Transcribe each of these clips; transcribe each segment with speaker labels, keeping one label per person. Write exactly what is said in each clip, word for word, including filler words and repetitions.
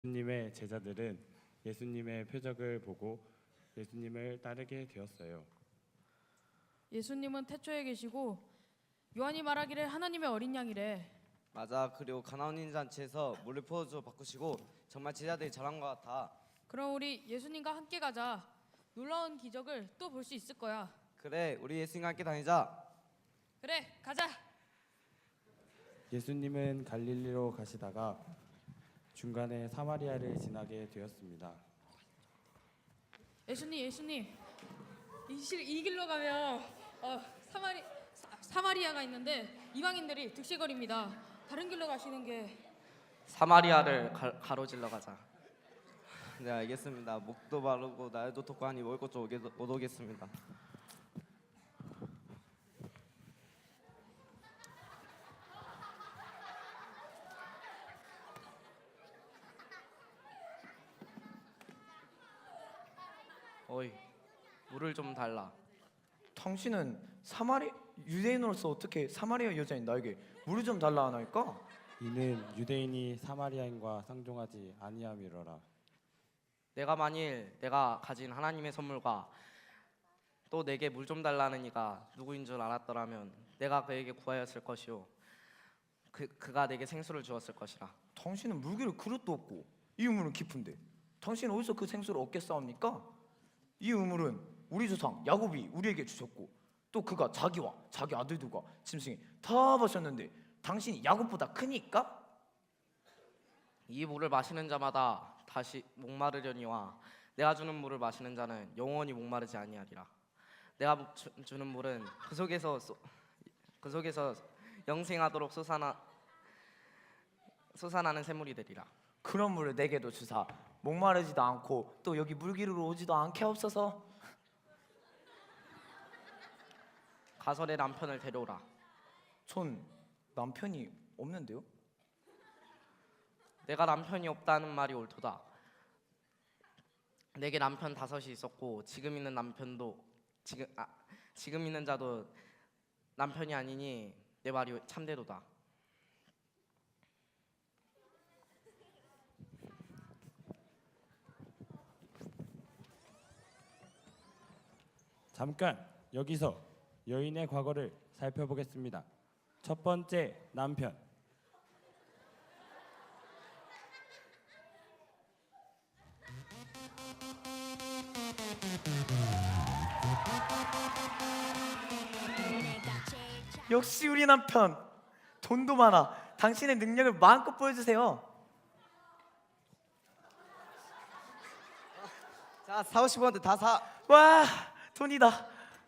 Speaker 1: 예수님의 제자들은 예수님의 표적을 보고 예수님을 따르게 되었어요.
Speaker 2: 예수님은 태초에 계시고 요한이 말하기를 하나님의 어린 양이래.
Speaker 3: 맞아. 그리고 가나온 잔치에서 물을 포도주로 바꾸시고 정말 제자들이 잘한 것 같아.
Speaker 2: 그럼 우리 예수님과 함께 가자. 놀라운 기적을 또 볼 수 있을 거야.
Speaker 3: 그래, 우리 예수님과 함께 다니자.
Speaker 2: 그래, 가자.
Speaker 1: 예수님은 갈릴리로 가시다가 중간에 사마리아를 지나게 되었습니다.
Speaker 2: 예수님, 예수님, 이, 실, 이 길로 가면 어, 사마리 사, 사마리아가 있는데 이방인들이 득실거립니다. 다른 길로 가시는 게.
Speaker 3: 사마리아를 가, 가로질러 가자. 네, 알겠습니다. 목도 바르고 날도 덮고 하니 먹을 것 좀 못 오겠습니다. 어이, 물을 좀 달라.
Speaker 4: 당신은 사마리 유대인으로서 어떻게 사마리아 여자인 나에게 물을 좀 달라 하나이까?
Speaker 1: 이는 유대인이 사마리아인과 상종하지 아니함이로라.
Speaker 3: 내가 만일 내가 가진 하나님의 선물과 또 내게 물 좀 달라는 이가 누구인 줄 알았더라면 내가 그에게 구하였을 것이요 그, 그가 내게 생수를 주었을 것이라.
Speaker 4: 당신은 물기를 그릇도 없고 이 우물은 깊은데 당신은 어디서 그 생수를 얻겠사옵니까? 이 우물은 우리 조상 야곱이 우리에게 주셨고 또 그가 자기와 자기 아들들과 짐승이 다 마셨는데 당신이 야곱보다 크니까?
Speaker 3: 이 물을 마시는 자마다 다시 목마르려니와 내가 주는 물을 마시는 자는 영원히 목마르지 아니하리라. 내가 주, 주는 물은 그 속에서 쏘, 그 속에서 영생하도록 솟아나 솟아나는 샘물이 되리라.
Speaker 4: 그런 물을 내게도 주사 목마르지도 않고 또 여기 물기르러 오지도 않게 없어서.
Speaker 3: 가서 내 남편을 데려오라.
Speaker 4: 전 남편이 없는데요?
Speaker 3: 내가 남편이 없다는 말이 옳도다. 내게 남편 다섯이 있었고 지금 있는 남편도 지금 아, 지금 있는 자도 남편이 아니니 내 말이 참되도다.
Speaker 1: 잠깐 여기서 여인의 과거를 살펴보겠습니다. 첫 번째 남편.
Speaker 4: 역시 우리 남편 돈도 많아. 당신의 능력을 마음껏 보여주세요.
Speaker 3: 자, 사오십 원대 다 사.
Speaker 4: 와, 돈이다.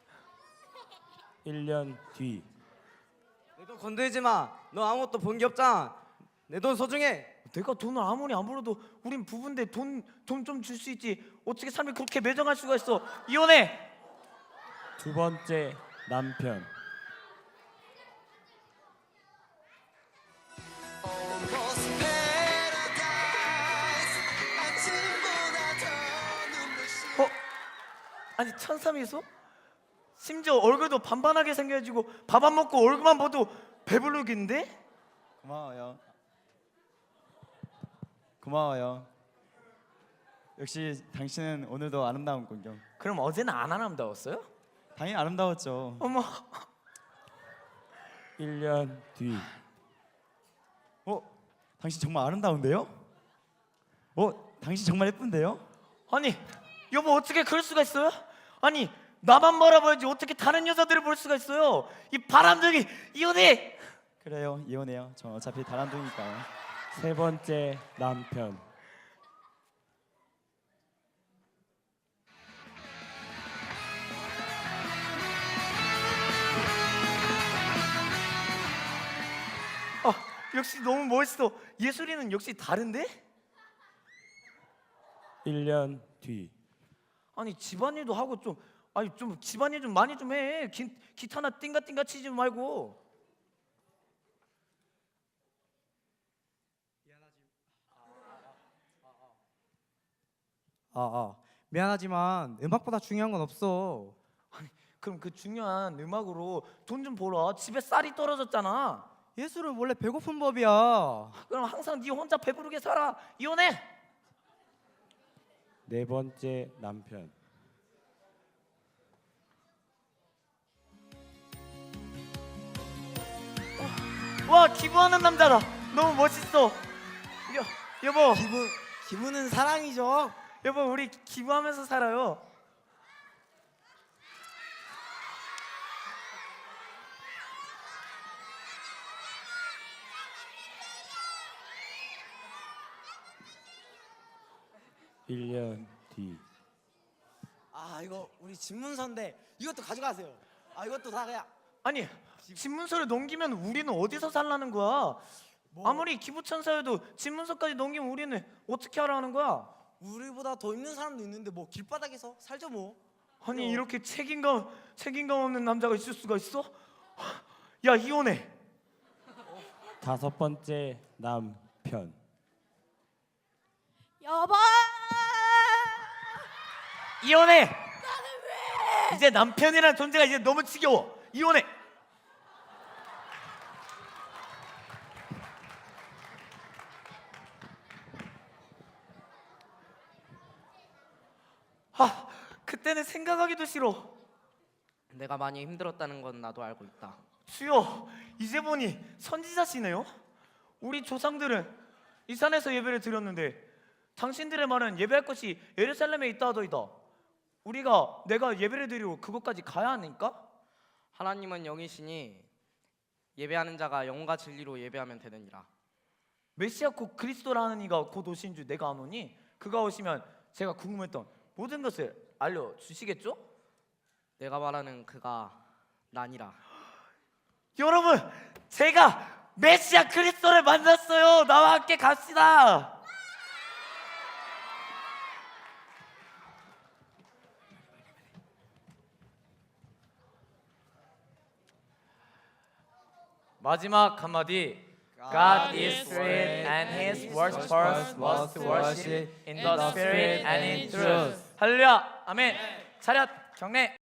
Speaker 1: 일 년 뒤.
Speaker 3: 내 돈 건들지 마. 너 아무것도 본 게 없잖아. 내 돈 소중해.
Speaker 4: 내가 돈을 아무리 안 벌어도 우린 부부인데 돈 돈 좀 줄 수 있지. 어떻게 삶이 그렇게 매정할 수가 있어. 이혼해.
Speaker 1: 두 번째 남편.
Speaker 4: 어? 아니 천삼이소? 심지어 얼굴도 반반하게 생겨가지고 밥 안 먹고 얼굴만 봐도 배부르겠는데?
Speaker 5: 고마워요. 고마워요. 역시 당신은 오늘도 아름다운군요.
Speaker 4: 그럼 어제는 안 아름다웠어요?
Speaker 5: 당연히 아름다웠죠.
Speaker 4: 어머.
Speaker 1: 일 년 뒤.
Speaker 5: 어? 당신 정말 아름다운데요? 어? 당신 정말 예쁜데요?
Speaker 4: 아니 여보 어떻게 그럴 수가 있어요? 아니 나만 바라봐야지 어떻게 다른 여자들을 볼 수가 있어요? 이 바람둥이 이혼해.
Speaker 5: 그래요, 이혼해요. 저 어차피 다람둥이니까요.
Speaker 1: 세 번째 남편.
Speaker 4: 아 역시 너무 멋있어. 예술이는 역시 다른데?
Speaker 1: 일 년 뒤.
Speaker 4: 아니 집안일도 하고 좀 아니 좀 집안일 좀 많이 좀 해. 기, 기타나 띵가띵가 치지 말고.
Speaker 6: 아, 아 미안하지만 음악보다 중요한 건 없어.
Speaker 4: 그럼 그 중요한 음악으로 돈 좀 벌어. 집에 쌀이 떨어졌잖아.
Speaker 6: 예술은 원래 배고픈 법이야.
Speaker 4: 그럼 항상 네 혼자 배부르게 살아. 이혼해.
Speaker 1: 네 번째 남편.
Speaker 4: 와, 기부하는 남자다. 너무 멋있어. 여, 여보,
Speaker 6: 기분 기분은 사랑이죠.
Speaker 4: 여보, 우리 기부하면서 살아요.
Speaker 1: 일 년 뒤.
Speaker 6: 아 이거 우리 집문서인데 이것도 가져가세요. 아 이것도 다 그냥
Speaker 4: 아니, 집문서를 넘기면 우리는 어디서 살라는 거야?
Speaker 6: 뭐?
Speaker 4: 아무리 기부천사여도 집문서까지 넘기면 우리는 어떻게 하라는 거야?
Speaker 6: 우리보다 더 있는 사람도 있는데 뭐 길바닥에서 살죠 뭐.
Speaker 4: 아니,
Speaker 6: 그럼.
Speaker 4: 이렇게 책임감 책임감 없는 남자가 있을 수가 있어? 야, 이혼해.
Speaker 1: 다섯 번째 남편.
Speaker 2: 여보.
Speaker 4: 이혼해. 나는 왜? 이제 남편이라는 존재가 이제 너무 지겨워. 이혼해. 아, 그때는 생각하기도 싫어.
Speaker 3: 내가 많이 힘들었다는 건 나도 알고 있다.
Speaker 4: 주여, 이제 보니 선지자시네요. 우리 조상들은 이 산에서 예배를 드렸는데 당신들의 말은 예배할 것이 예루살렘에 있다 하더이다. 우리가 내가 예배를 드리러 그곳까지 가야 하니까?
Speaker 3: 하나님은 영이시니 예배하는 자가 영과 진리로 예배하면 되느니라.
Speaker 4: 메시아 곧 그리스도라는 이가 곧 오신 줄 내가 아노니 그가 오시면 제가 궁금했던 모든 것을 알려주시겠죠?
Speaker 3: 내가 말하는 그가 나니라.
Speaker 4: 여러분, 제가 메시아 그리스도를 만났어요. 나와 함께 갑시다. 마지막 한마디. God is spirit and his worshippers must worship in the spirit and in truth. 할렐루야. 아멘. 차렷 경례.